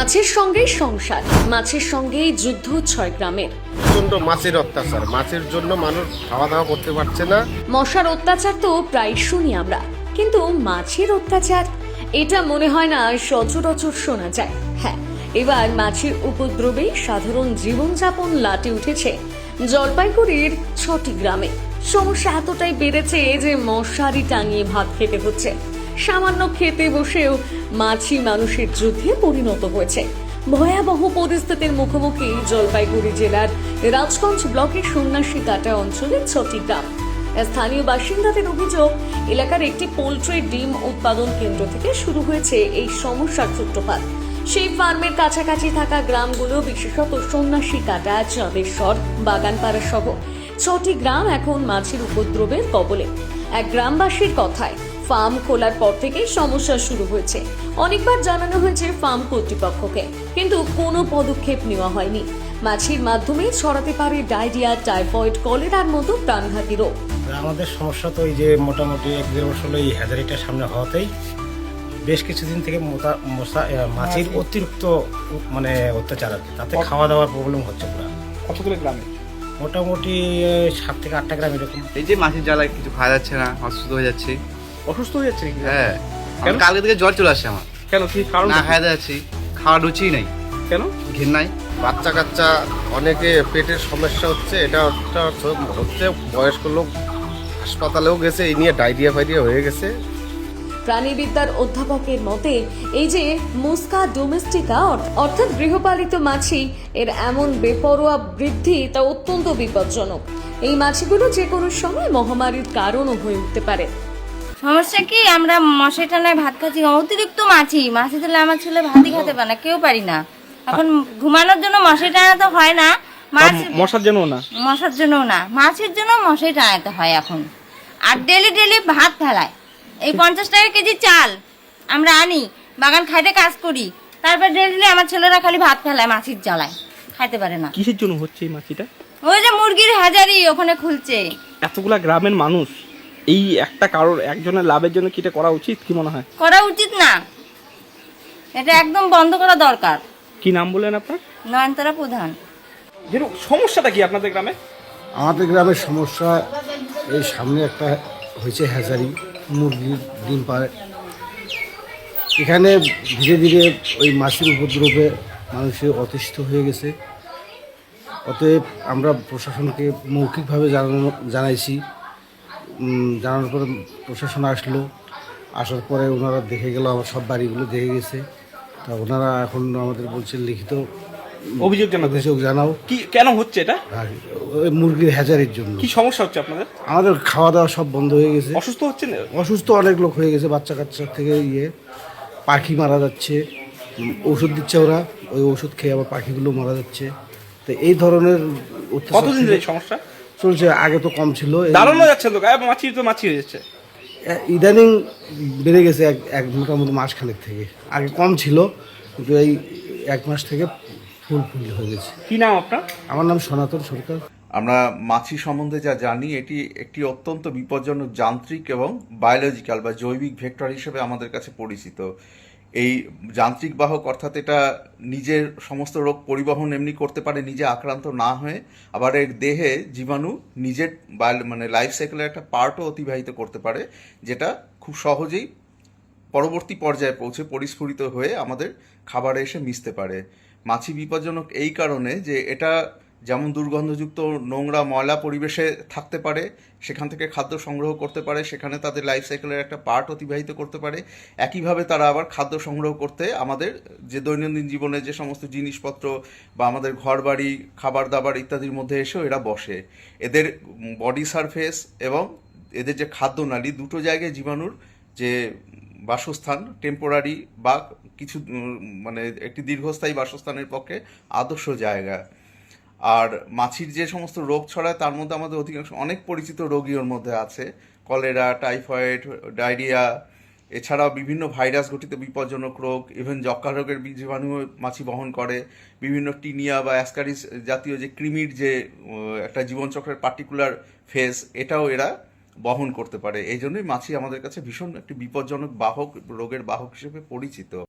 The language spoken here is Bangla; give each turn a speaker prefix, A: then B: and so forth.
A: মাছের সঙ্গেই সংসার, মাছের সঙ্গেই যুদ্ধ 6 গ্রামের।
B: প্রচন্ড মাছের অত্যাচার, মাছের জন্য মানুষ খাওয়া দাওয়া করতে পারছে না।
A: মশার অত্যাচার তো প্রায় শুনি আমরা, কিন্তু মাছের অত্যাচার এটা মনে হয় না সচরাচর শোনা যায়। হ্যাঁ, এবার মাছের উপদ্রবে সাধারণ জীবনযাপন লাটে উঠেছে জলপাইগুড়ির 6টি গ্রামে। সমস্যা এতটাই বেড়েছে যে মশারি টাঙিয়ে ভাত খেতে হচ্ছে। সামান্য খেতে বসেও মাছি মানুষের যুদ্ধে পরিণত হয়েছে। ভয়াবহ পরিস্থিতির মুখোমুখি জলপাইগুড়ি জেলার রাজগঞ্জ ব্লকের সন্ন্যাসী কাটা অঞ্চলের 6টি গ্রাম। স্থানীয় বাসিন্দাদের অভিযোগ, এলাকার একটি পোল্ট্রি ডিম উৎপাদন কেন্দ্র থেকে শুরু হয়েছে এই সমস্যার সূত্রপাত। সেই ফার্মের কাছাকাছি থাকা গ্রামগুলো, বিশেষত সন্ন্যাসী কাটা, চাঁদেশ্বর, বাগানপাড়া সহ 6টি গ্রাম এখন মাছের উপদ্রবের কবলে। এক গ্রামবাসীর কথায়, ফার্ম খোলার পর থেকেই সমস্যা শুরু হয়েছে। অনেকবার জানানো হয়েছে ফার্ম কর্তৃপক্ষকে, কিন্তু কোনো পদক্ষেপ নেওয়া হয়নি। মাছির মাধ্যমে ছড়াতে পারে ডায়রিয়া, টাইফয়েড, কলেরার মতো প্রাণঘাতী রোগ।
C: আমাদের সমস্যা তো এই যে মোটামুটি 1-1.5 বছর এই হ্যাজারিটার সামনে হওয়াতেই বেশ কিছুদিন থেকে মাছির অতিরিক্ত অত্যাচার আছে, তাতে খাওয়া দাওয়ার প্রবলেম হচ্ছে পুরো।
D: কতগুলো গ্রামে?
C: মোটামুটি 7 থেকে 8টা গ্রাম এরকম।
E: এই যে মাছের জ্বালায় কিছু খাওয়া যাচ্ছে না, অসুস্থ হয়ে যাচ্ছি।
D: অসুস্থ হয়ে যাচ্ছে?
E: হ্যাঁ,
D: কেন?
E: কালকে থেকে জ্বর চলে আসছে আমার।
D: কেন, কি কারণ?
E: না খাওয়া যাচ্ছি, খাওয়া রুচি নাই।
D: কেন?
E: ঘেন্নাই।
B: বাচ্চা কাচ্চা অনেকে পেটের সমস্যা হচ্ছে, এটা হচ্ছে বয়স্ক লোক হাসপাতালেও গেছে, এই নিয়ে ডায়রিয়া ফাইরিয়া হয়ে গেছে।
A: প্রাণীবিদ্যার অধ্যাপকের মতে, এই যে মুস্কা ডোমেস্টিকা অর্থাৎ গৃহপালিত মাছি, এর এমন বেপরোয়া বৃদ্ধি তা অত্যন্ত বিপজ্জনক। এই মাছিগুলো যে কোনো সময় মহামারীর কারণও হয়ে উঠতে পারে।
F: সমস্যা কি, আমরা মশাই টানায় ভাত খাচ্ছি, অতিরিক্ত মাছি দিলে আমার ছেলে ভাতই খেতে পারে না, কেউ পারি না। এখন ঘুমানোর জন্য মশাই টানাতে হয় না,
D: মশার জন্য না,
F: মশার জন্য না, মাছের জন্য মশাই টানাতে হয় এখন। আর ডেলি ডেলি ভাত ফেলায়, এই 50 টাকা কেজি চাল আমরা আনি, বাগান খাইতে কাজ করি, তারপর ডেলি আমার ছেলেরা খালি ভাত ফেলায়, মাছির জ্বালায় খাইতে পারে না।
D: কিসের জন্য হচ্ছে এই মাছিটা?
F: ওই যে মুরগির হাজারি ওখানে খুলছে।
D: এতগুলা গ্রামের মানুষ, এই একটা কারোর একজনের লাভের জন্য কি এটা করা উচিত? কি মনে হয়?
F: করা উচিত না, এটা একদম বন্ধ করা দরকার।
D: কি নাম বললেন আপনার?
F: নয়নতারা প্রধান।
D: সমস্যাটা কি আপনাদের গ্রামে?
G: আমাদের গ্রামের সমস্যা, এই সামনে একটা হয়েছে হ্যাচারি, মুরগির ডিম পাড়ে। এখানে ধীরে ধীরে ওই মাছের উপদ্রবে মানুষের অতিষ্ঠ হয়ে গেছে। অতএব আমরা প্রশাসনকে মৌখিকভাবে জানাইছি। জানানোর পরে প্রশাসন আসলো, আসার পরে ওনারা দেখে গেল, আমার সব বাড়িগুলো দেখে গেছে। তা ওনারা এখন আমাদের বলছে লিখিত
D: অভিযোগ
G: জানাও।
D: কি কেন হচ্ছে এটা?
G: ওই মুরগির হ্যাচারির জন্য।
D: কি সমস্যা হচ্ছে আপনাদের?
G: আমাদের খাওয়া দাওয়া সব বন্ধ হয়ে গেছে।
D: অসুস্থ হচ্ছে না?
G: অসুস্থ অনেক লোক হয়ে গেছে, বাচ্চা কাচ্চা থেকে পাখি মারা যাচ্ছে। ওষুধ দিচ্ছে ওরা, ওই ওষুধ খেয়ে আবার পাখিগুলো মারা যাচ্ছে। তো এই ধরনের
D: কতদিন ধরে সমস্যা
G: চলছে? আগে তো কম ছিল,
D: দাঁড়ানো যাচ্ছে তো, মাছি হয়ে যাচ্ছে।
G: ইদানিং বেড়ে গেছে এক মোটামুটি মাসখানেক থেকে। আগে কম ছিল, কিন্তু এই 1 মাস থেকে ফুল হয়ে গেছে।
D: কি নাম আপনার?
G: আমার নাম সনাতন সরকার।
E: আমরা মাছি সম্বন্ধে যা জানি, এটি একটি অত্যন্ত বিপজ্জনক যান্ত্রিক এবং বায়োলজিক্যাল বা জৈবিক ভেক্টর হিসেবে আমাদের কাছে পরিচিত। এই যান্ত্রিক বাহক, অর্থাৎ এটা নিজের সমস্ত রোগ পরিবহন এমনি করতে পারে নিজে আক্রান্ত না হয়ে, আবার এর দেহে জীবাণু নিজের লাইফ সাইকেলের একটা পার্টও অতিবাহিত করতে পারে, যেটা খুব সহজেই পরবর্তী পর্যায়ে পৌঁছে পরিস্ফুরিত হয়ে আমাদের খাবারে এসে মিশতে পারে। মাছি বিপজ্জনক এই কারণে যে এটা যেমন দুর্গন্ধযুক্ত নোংরা ময়লা পরিবেশে থাকতে পারে, সেখান থেকে খাদ্য সংগ্রহ করতে পারে, সেখানে তাদের লাইফ সাইকেলের একটা পার্ট অতিবাহিত করতে পারে। একইভাবে তারা আবার খাদ্য সংগ্রহ করতে আমাদের যে দৈনন্দিন জীবনে যে সমস্ত জিনিসপত্র বা আমাদের ঘর বাড়ি, খাবার দাবার ইত্যাদির মধ্যে এসেও এরা বসে। এদের বডি সারফেস এবং এদের যে খাদ্যনালী, দুটো জায়গায় জীবাণুর যে বাসস্থান, টেম্পোরারি বা কিছু একটি দীর্ঘস্থায়ী বাসস্থানের পক্ষে আদর্শ জায়গা। আর মাছির যে সমস্ত রোগ ছড়ায়, তার মধ্যে আমাদের অধিকাংশ অনেক পরিচিত রোগী ওর মধ্যে আছে। কলেরা, টাইফয়েড, ডায়রিয়া, এছাড়াও বিভিন্ন ভাইরাস ঘটিত বিপজ্জনক রোগ, ইভেন যক্ষ্মা রোগের জীবাণু মাছি বহন করে। বিভিন্ন টিনিয়া বা অ্যাসকারিস জাতীয় যে কৃমির যে একটা জীবনচক্রের পার্টিকুলার ফেজ, এটাও এরা বহন করতে পারে। এই জন্যই মাছি আমাদের কাছে ভীষণ একটি বিপজ্জনক বাহক, রোগের বাহক হিসেবে পরিচিত।